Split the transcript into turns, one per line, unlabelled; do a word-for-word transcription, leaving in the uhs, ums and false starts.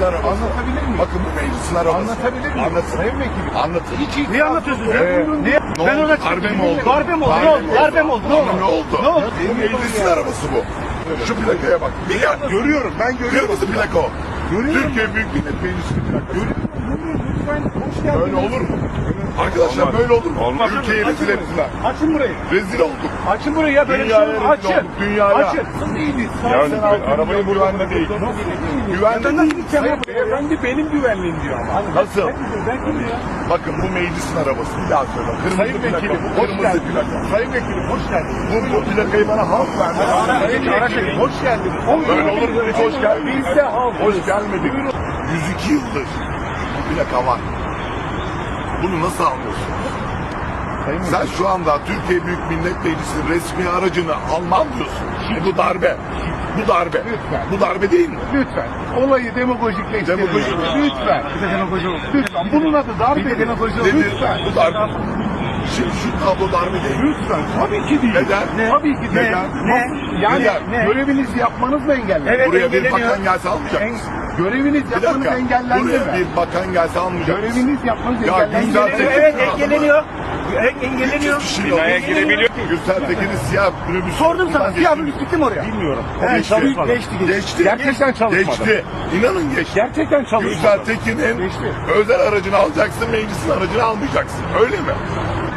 meclisin arabası.
Anlatabilir miyim?
Bakın bu meclisin arabası.
Anlatabilir miyim?
Anlatın.
Sayın Vekilim.
Anlatın.
Hiç itiraz
Niye anlatıyorsunuz?
yok.
Ee,
Niye?
Ne
Ben
oldu?
orada
Darbe mi oldu?
Darbe mi oldu? Ne oldu? Darbe mi oldu? Ne
Ama
oldu?
ne oldu?
Ne oldu?
Bu meclisin arabası bu. Şu plakaya bak. Ya, görüyorum, ben görüyorum. Kırmızı plaka o. Türkiye Büyük Millet Meclisi plakası.
Lütfen hoş geldiniz.
Böyle olur mu? Arkadaşlar böyle olur mu?
Olmaz.
Ülkeyi rezil ettiler.
Açın burayı.
Rezil olduk.
Açın burayı ya, böyle bir şey
Dünyaya
olur.
rezil
Açın.
olduk. Dünyaya.
Açın.
Yani arabayı güvenli değil. Güvenli
Ben nasıl gideceğim ya?
Beyefendi benim güvenliğim diyor ama.
Nasıl?
Ben kimim ya?
Bakın bu meclisin arabası. Bir daha söyle. Kırmızı
Sayın
plaka.
Vekilim
bu,
hoş
Kırmızı
geldiniz.
plaka.
Sayın Vekilim hoş geldiniz.
Bu, bu plakayı bana halk verdi.
Sayın Vekilim hoş geldiniz.
Böyle olur mu? Hiç hoş gelmedik.
Biz de halk.
Hoş gelmedik. yüz iki yıldır bu plaka var. Bunu nasıl anlıyorsun? Sen şu anda Türkiye Büyük Millet Meclisi'nin resmi aracını almam diyorsun. E bu darbe. Bu darbe.
Lütfen.
Bu darbe değil mi?
Lütfen. Olayı demagojikleştirin.
Demagoji.
Lütfen.
Bir de demagoji oldu.
Lütfen. Bunun adı darbe.
Bir de demagoji oldu.
Nedir?
Lütfen.
Bu darbe. Şimdi şu tablo darbe değil mi?
Lütfen. Tabii ki değil.
Neden?
Ne? Tabii ki değil.
Neden?
Ne? Yani
Neden?
görevinizi yapmanızla engellendi.
Evet,
Buraya bir
engelleniyor.
bakan gelse almayacak
En-
mısın?
Göreviniz
Bir
yapmanız
dakika.
engellendi
Buraya
mi?
bir bakan gelse almayacak mısın?
Göreviniz yapmanız
Ya
engellendi
güzel
mi?
Tekin-
Evet, engelleniyor. Evet, engelleniyor.
üç yüz kişiyle
Binaya
oldu.
girebiliyor.
Gürsel Tekin'in siyah minibüsü.
Sordum sana.
Geçti.
Siyah minibüs gitti mi oraya?
Bilmiyorum.
He,
Geçti.
çalışmadı.
Geçti, geçti.
Geçti.
Gerçekten çalışmadı.
Geçti. İnanın geçti.
Gerçekten çalışmadı.
Gürsel Tekin'in
Geçti.
özel aracını alacaksın, meclisin aracını almayacaksın. Öyle mi?